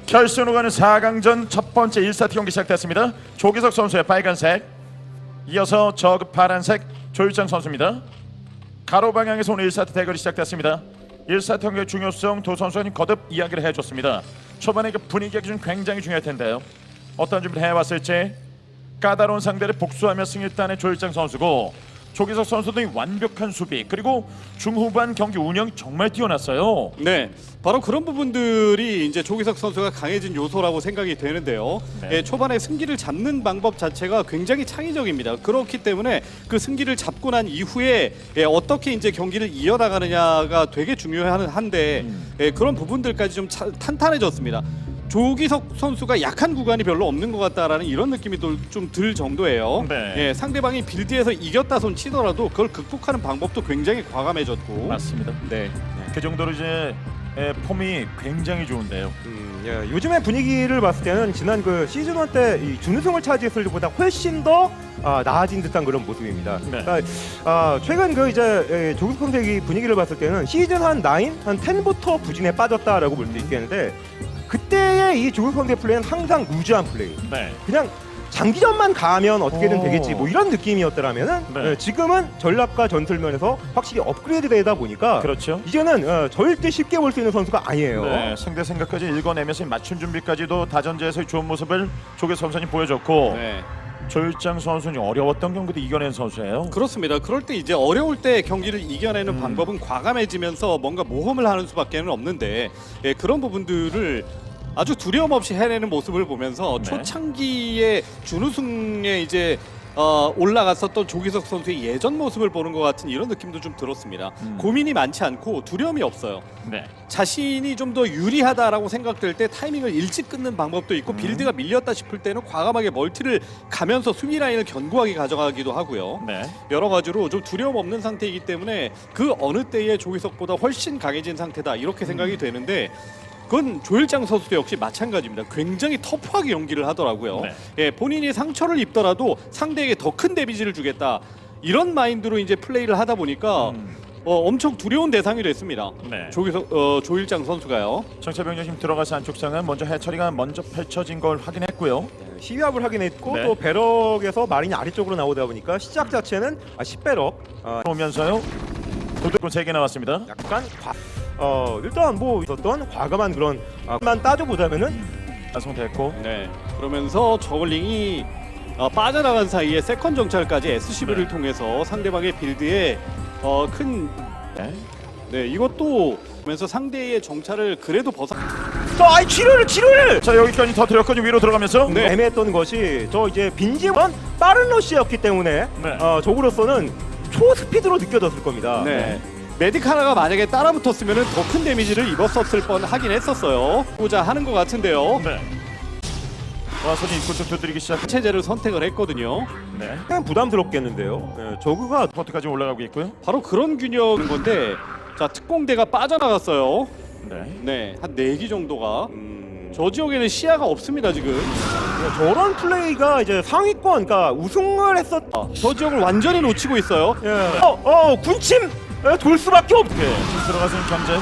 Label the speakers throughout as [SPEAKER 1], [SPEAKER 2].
[SPEAKER 1] 결승으로 가는 4강전 첫 번째 1세트 경기 시작됐습니다. 조기석 선수의 빨간색, 이어서 저그 파란색 조일장 선수입니다. 가로 방향에서 오늘 1세트 대결이 시작됐습니다. 1세트 경기의 중요성 두 선수는 거듭 이야기를 해줬습니다. 초반에 그 분위기가 좀 굉장히 중요할 텐데요. 어떤 준비를 해왔을지. 까다로운 상대를 복수하며 승리했다는 조일장 선수고, 조기석 선수도 완벽한 수비, 그리고 중후반 경기 운영이 정말 뛰어났어요.
[SPEAKER 2] 네, 바로 그런 부분들이 이제 조기석 선수가 강해진 요소라고 생각이 되는데요.
[SPEAKER 1] 네.
[SPEAKER 2] 예, 초반에 승기를 잡는 방법 자체가 굉장히 창의적입니다. 그렇기 때문에 그 승기를 잡고 난 이후에 어떻게 이제 경기를 이어나가느냐가 되게 중요한데 그런 부분들까지 좀 탄탄해졌습니다. 조기석 선수가 약한 구간이 별로 없는 것 같다라는 이런 느낌이 좀 들 정도예요.
[SPEAKER 1] 네.
[SPEAKER 2] 예, 상대방이 빌드에서 이겼다 손 치더라도 그걸 극복하는 방법도 굉장히 과감해졌고.
[SPEAKER 1] 맞습니다.
[SPEAKER 2] 네.
[SPEAKER 1] 그 정도로 이제 폼이 굉장히 좋은데요.
[SPEAKER 3] 예, 요즘의 분위기를 봤을 때는 지난 그 시즌 1 때 이 준우승을 차지했을 때보다 훨씬 더 나아진 듯한 그런 모습입니다.
[SPEAKER 1] 네.
[SPEAKER 3] 그러니까 최근 그 이제 조기석 선수의 분위기를 봤을 때는 시즌 한 9, 한 10부터 부진에 빠졌다라고 볼 수 있겠는데, 그때의 이 조기석 선수의 플레이는 항상 루즈한 플레이.
[SPEAKER 1] 네.
[SPEAKER 3] 그냥 장기전만 가면 어떻게든 되겠지, 뭐 이런 느낌이었더라면은
[SPEAKER 1] 네.
[SPEAKER 3] 지금은 전략과 전술면에서 확실히 업그레이드 되다 보니까
[SPEAKER 1] 그렇죠.
[SPEAKER 3] 이제는 절대 쉽게 볼 수 있는 선수가 아니에요.
[SPEAKER 1] 네, 상대 생각까지 읽어내면서 맞춤 준비까지도 다전제에서의 좋은 모습을 조기석 선수님 보여줬고,
[SPEAKER 2] 네.
[SPEAKER 1] 조일장 선수는 어려웠던 경기도 이겨낸 선수예요.
[SPEAKER 2] 그렇습니다. 그럴 때 이제 어려울 때 경기를 이겨내는 방법은 과감해지면서 뭔가 모험을 하는 수밖에는 없는데, 예, 그런 부분들을 아주 두려움 없이 해내는 모습을 보면서
[SPEAKER 1] 네.
[SPEAKER 2] 초창기에 준우승에 이제 올라갔었던 조기석 선수의 예전 모습을 보는 것 같은 이런 느낌도 좀 들었습니다. 고민이 많지 않고 두려움이 없어요.
[SPEAKER 1] 네.
[SPEAKER 2] 자신이 좀 더 유리하다라고 생각될 때 타이밍을 일찍 끊는 방법도 있고, 빌드가 밀렸다 싶을 때는 과감하게 멀티를 가면서 수비 라인을 견고하게 가져가기도 하고요.
[SPEAKER 1] 네.
[SPEAKER 2] 여러 가지로 좀 두려움 없는 상태이기 때문에 그 어느 때의 조기석보다 훨씬 강해진 상태다, 이렇게 생각이 되는데, 그건 조일장 선수도 역시 마찬가지입니다. 굉장히 터프하게 연기를 하더라고요.
[SPEAKER 1] 네.
[SPEAKER 2] 예, 본인이 상처를 입더라도 상대에게 더 큰 데미지를 주겠다, 이런 마인드로 이제 플레이를 하다 보니까 엄청 두려운 대상이 됐습니다.
[SPEAKER 1] 네.
[SPEAKER 2] 조일장 선수가요.
[SPEAKER 1] 정찰병력 지금 들어가서 안쪽 상은 먼저 해처리가 먼저 펼쳐진 걸 확인했고요.
[SPEAKER 3] 시위압을 하긴 했고,
[SPEAKER 1] 네.
[SPEAKER 3] 또 배럭에서 마린이 아래쪽으로 나오다 보니까 시작 자체는 10배럭
[SPEAKER 1] 오면서요. 도둑군 3개 나왔습니다.
[SPEAKER 3] 약간 일단 뭐 있었던 과감한 그런 만 따져보자면은
[SPEAKER 1] 완성됐고,
[SPEAKER 2] 네. 그러면서 저글링이 빠져나간 사이에 세컨 정찰까지 SCV를
[SPEAKER 1] 네.
[SPEAKER 2] 통해서 상대방의 빌드에 큰
[SPEAKER 1] 네.
[SPEAKER 2] 네, 이것도 보면서 상대의 정찰을 그래도 벗어.
[SPEAKER 3] 아이 치료를
[SPEAKER 1] 자, 여기까지 터뜨렸고 위로 들어가면서
[SPEAKER 2] 네.
[SPEAKER 3] 애매했던 것이 이제 빈집은 빠른 러시였기 때문에
[SPEAKER 1] 네.
[SPEAKER 3] 적으로서는 초스피드로 느껴졌을 겁니다.
[SPEAKER 2] 네. 메딕 하나가 만약에 따라붙었으면 더 큰 데미지를 입었었을 뻔 하긴 했었어요. 보자 하는 것 같은데요.
[SPEAKER 1] 네. 와서 입구 쪽 두드리기 시작.
[SPEAKER 2] 체제를 선택을 했거든요.
[SPEAKER 1] 네.
[SPEAKER 3] 그냥 부담스럽겠는데요. 네, 저그가
[SPEAKER 1] 포트까지 올라가고 있고요.
[SPEAKER 2] 바로 그런 균형인 건데, 자, 특공대가 빠져나갔어요.
[SPEAKER 1] 네.
[SPEAKER 2] 네, 한 4기 정도가. 저 지역에는 시야가 없습니다 지금.
[SPEAKER 3] 저런 플레이가 이제 상위권, 그러니까 우승을 했었.
[SPEAKER 2] 저 지역을 완전히 놓치고 있어요.
[SPEAKER 3] 군침 돌 수밖에 없.
[SPEAKER 1] 네. 지금 들어가서 견제.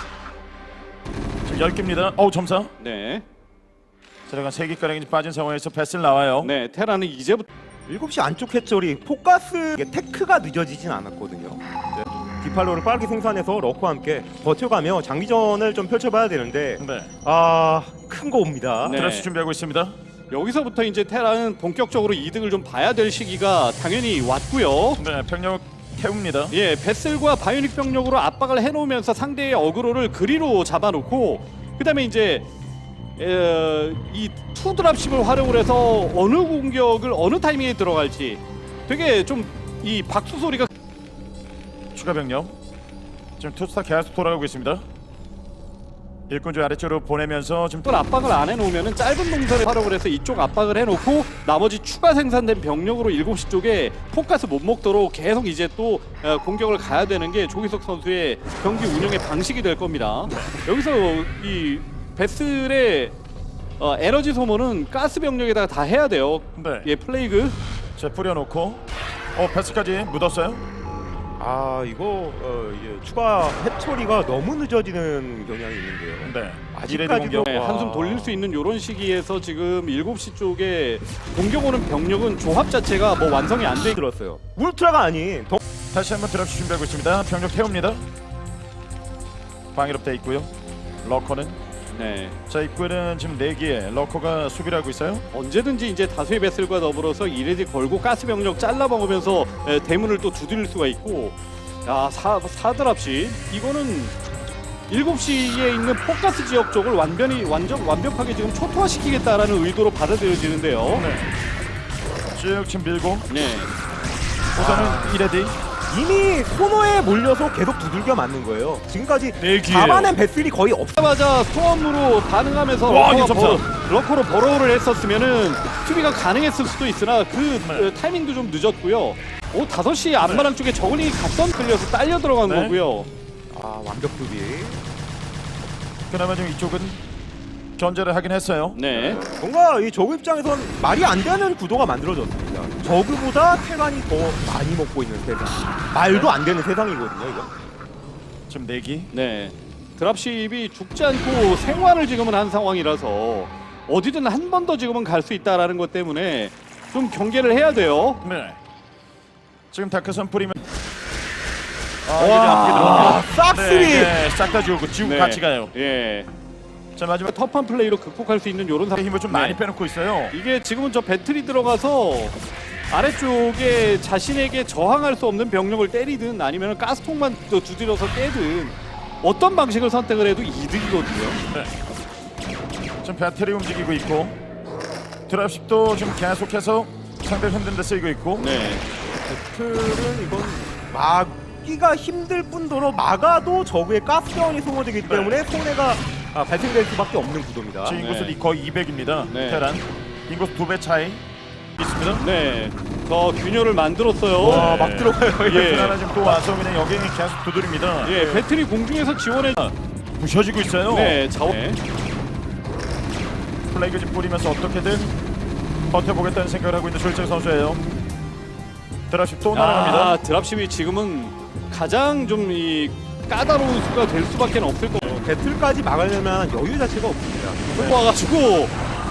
[SPEAKER 1] 지금 10개입니다. 점사.
[SPEAKER 2] 네,
[SPEAKER 1] 들어간 3개가량이 빠진 상황에서 패스를 나와요.
[SPEAKER 2] 네, 테라는 이제부터
[SPEAKER 3] 7시 안쪽 해처리 포가스 테크가 늦어지진 않았거든요. 네. 디팔로를 빠르게 생산해서 러커와 함께 버텨가며 장기전을 좀 펼쳐봐야 되는데,
[SPEAKER 1] 네.
[SPEAKER 3] 큰 거 옵니다.
[SPEAKER 2] 네.
[SPEAKER 1] 드레스 준비하고 있습니다.
[SPEAKER 2] 여기서부터 이제 테라는 본격적으로 이득을 좀 봐야 될 시기가 당연히 왔고요.
[SPEAKER 1] 네. 병력 태웁니다.
[SPEAKER 2] 예, 베슬과 바이오닉 병력으로 압박을 해놓으면서 상대의 어그로를 그리로 잡아놓고, 그다음에 이제 이 투드랍십을 활용을 해서 어느 공격을 어느 타이밍에 들어갈지 되게 좀 이 박수 소리가.
[SPEAKER 1] 추가 병력. 지금 투스타 계속 돌아가고 있습니다. 일꾼 쪽 아래쪽으로 보내면서 지금
[SPEAKER 2] 또 압박을 안 해놓으면 짧은 동선을 활용을 해서 이쪽 압박을 해놓고 나머지 추가 생산된 병력으로 7시 쪽에 포커스 못 먹도록 계속 이제 또 공격을 가야 되는 게 조기석 선수의 경기 운영의 방식이 될 겁니다. 여기서 이 베슬의 에너지 소모는 가스 병력에다가 다 해야 돼요.
[SPEAKER 1] 네.
[SPEAKER 2] 예, 플레이그.
[SPEAKER 1] 자, 뿌려놓고 패스까지 묻었어요.
[SPEAKER 3] 아 이거 이제 추가 해처리가 너무 늦어지는 경향이 있는데요.
[SPEAKER 1] 네.
[SPEAKER 3] 아직까지도
[SPEAKER 1] 공격.
[SPEAKER 2] 네, 한숨 돌릴 수 있는 이런 시기에서 지금 7시 쪽에 공격 오는 병력은 조합 자체가 뭐 완성이 안 돼.
[SPEAKER 3] 들었어요. 울트라가 아닌
[SPEAKER 1] 다시 한번 드랍 준비하고 있습니다. 병력 태웁니다. 방위롭 돼 있고요. 러커는
[SPEAKER 2] 네.
[SPEAKER 1] 자 입구에는 지금 4개의 러커가 수비를 하고 있어요.
[SPEAKER 2] 언제든지 이제 다수의 배슬과 더불어서 이레디 걸고 가스 병력 잘라 먹으면서 대문을 또 두드릴 수가 있고, 야 사드랍시 이거는 7시에 있는 포커스 지역 쪽을 완벽하게 지금 초토화시키겠다라는 의도로 받아들여지는데요.
[SPEAKER 1] 네. 쭉 지금 밀고
[SPEAKER 2] 네.
[SPEAKER 1] 우선은 이레디
[SPEAKER 3] 이미 코너에 몰려서 계속 두들겨 맞는 거예요. 지금까지
[SPEAKER 1] 네 개예요.
[SPEAKER 3] 잡아낸 배슬이 거의
[SPEAKER 2] 자마자 스톰으로 반응하면서
[SPEAKER 1] 와,
[SPEAKER 2] 러커로 버러우를 했었으면은 수비가 가능했을 수도 있으나 그
[SPEAKER 1] 네.
[SPEAKER 2] 타이밍도 좀 늦었고요. 5시 앞마당 쪽에 저글링이 각선 끌려서 딸려 들어간
[SPEAKER 1] 네.
[SPEAKER 2] 거고요.
[SPEAKER 3] 아 완벽 수비.
[SPEAKER 1] 그나마 좀 이쪽은 견제를 하긴 했어요.
[SPEAKER 2] 네.
[SPEAKER 3] 뭔가 이 저그 입장에선 말이 안 되는 구도가 만들어졌습니다. 저그보다 테란이 더 많이 먹고 있는 세상. 말도 안 되는 세상이거든요, 이거.
[SPEAKER 1] 지금 4기.
[SPEAKER 2] 네. 드랍십이 죽지 않고 생還을 지금은 한 상황이라서 어디든 한 번 더 지금은 갈 수 있다라는 것 때문에 좀 경계를 해야 돼요.
[SPEAKER 1] 네. 지금 다크선 뿌리면
[SPEAKER 3] 와, 싹쓸이.
[SPEAKER 1] 네, 싹 다 지우고
[SPEAKER 2] 네.
[SPEAKER 1] 같이 가요.
[SPEAKER 2] 예.
[SPEAKER 1] 자 마지막
[SPEAKER 2] 터프한 플레이로 극복할 수 있는 이런 상황.
[SPEAKER 1] 힘을 좀
[SPEAKER 2] 네.
[SPEAKER 1] 많이 빼놓고 있어요.
[SPEAKER 2] 이게 지금은 저 배틀이 들어가서 아래쪽에 자신에게 저항할 수 없는 병력을 때리든 아니면 가스통만 또 두드려서 깨든 어떤 방식을 선택을 해도 이득이거든요.
[SPEAKER 1] 네. 지금 배터리 움직이고 있고 드랍십도 지금 계속해서 상대 흔든 데 쓰이고 있고.
[SPEAKER 2] 네.
[SPEAKER 3] 배틀은 이건 막기가 힘들 뿐더러 막아도 저그의 가스전이 소모되기 때문에 손해가 발생될 수밖에 없는 구도입니다.
[SPEAKER 1] 지금 인구수
[SPEAKER 2] 네.
[SPEAKER 1] 거의 200입니다.
[SPEAKER 2] 네.
[SPEAKER 1] 테란 인구수 2배 차이 있습니다.
[SPEAKER 2] 네. 더 균열을 만들었어요.
[SPEAKER 3] 와, 막 들어가요.
[SPEAKER 2] 예.
[SPEAKER 1] 하나 지금 또 와서 그냥 여기 계속 두드립니다.
[SPEAKER 2] 예, 배틀이 공중에서 지원해.
[SPEAKER 1] 부셔지고 있어요.
[SPEAKER 2] 네, 자원. 네.
[SPEAKER 1] 플레이그 좀 뿌리면서 어떻게든 버텨보겠다는 생각을 하고 있는 조일장 선수예요. 드랍십 또 날아갑니다.
[SPEAKER 2] 드랍십이 지금은 가장 좀 이 까다로운 수가 될 수밖에 없을 거예요.
[SPEAKER 3] 배틀까지 막으려면 여유 자체가 없습니다.
[SPEAKER 2] 와가지고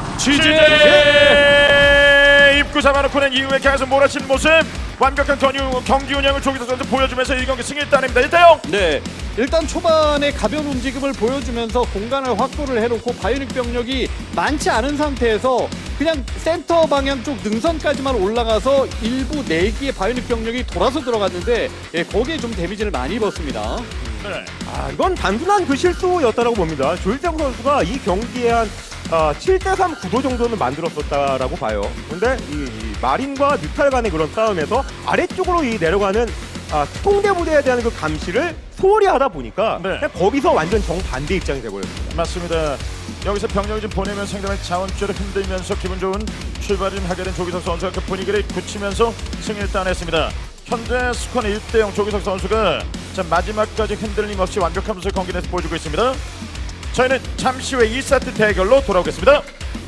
[SPEAKER 1] 취재 입구 잡아놓고는 이후에 계속 몰아치는 모습, 완벽한 경기 운영을 조기석 선수 보여주면서 이 경기 승리를 따냅니다. 1대0.
[SPEAKER 2] 네, 일단 초반에 가벼운 움직임을 보여주면서 공간을 확보를 해놓고 바이오닉 병력이 많지 않은 상태에서 그냥 센터 방향 쪽 능선까지만 올라가서 일부 4기의 바이오닉 병력이 돌아서 들어갔는데 거기에 좀 데미지를 많이 입었습니다.
[SPEAKER 1] 네.
[SPEAKER 3] 이건 단순한 그 실수였다라고 봅니다. 조일장 선수가 이 경기에 한 7대3 구도 정도는 만들었었다라고 봐요. 근데 이 마린과 뮤탈 간의 그런 싸움에서 아래쪽으로 이 내려가는 통대 부대에 대한 그 감시를 소홀히 하다 보니까
[SPEAKER 1] 네.
[SPEAKER 3] 그냥 거기서 완전 정반대 입장이 돼버렸습니다.
[SPEAKER 1] 맞습니다. 여기서 병력을 좀 보내면 상대방의 자원줄을 흔들면서 기분 좋은 출발을 좀 하게 된 조기석 선수가 그 분위기를 굳히면서 승리를 따냈습니다. 현재 스코어는 1대0 조기석 선수가 자, 마지막까지 흔들림 없이 완벽한 모습을 경기 내에서 보여주고 있습니다. 저희는 잠시 후에 2세트 대결로 돌아오겠습니다.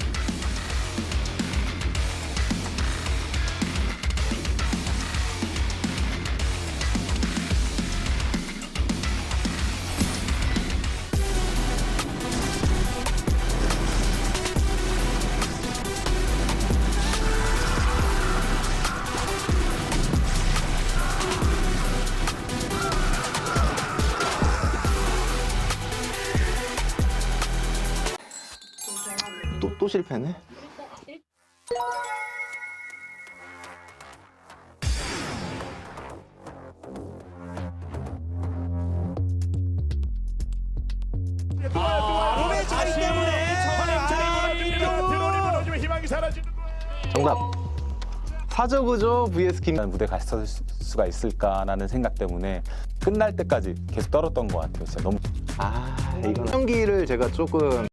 [SPEAKER 4] 또 실패네.
[SPEAKER 3] 몸의 자리 때문에
[SPEAKER 1] 희망이 사라지는
[SPEAKER 4] 정답. 사저그저 vs 김 무대 갔을 수가 있을까라는 생각 때문에 끝날 때까지 계속 떨었던 것 같아요. 진짜 너무 이건 경기를 제가 조금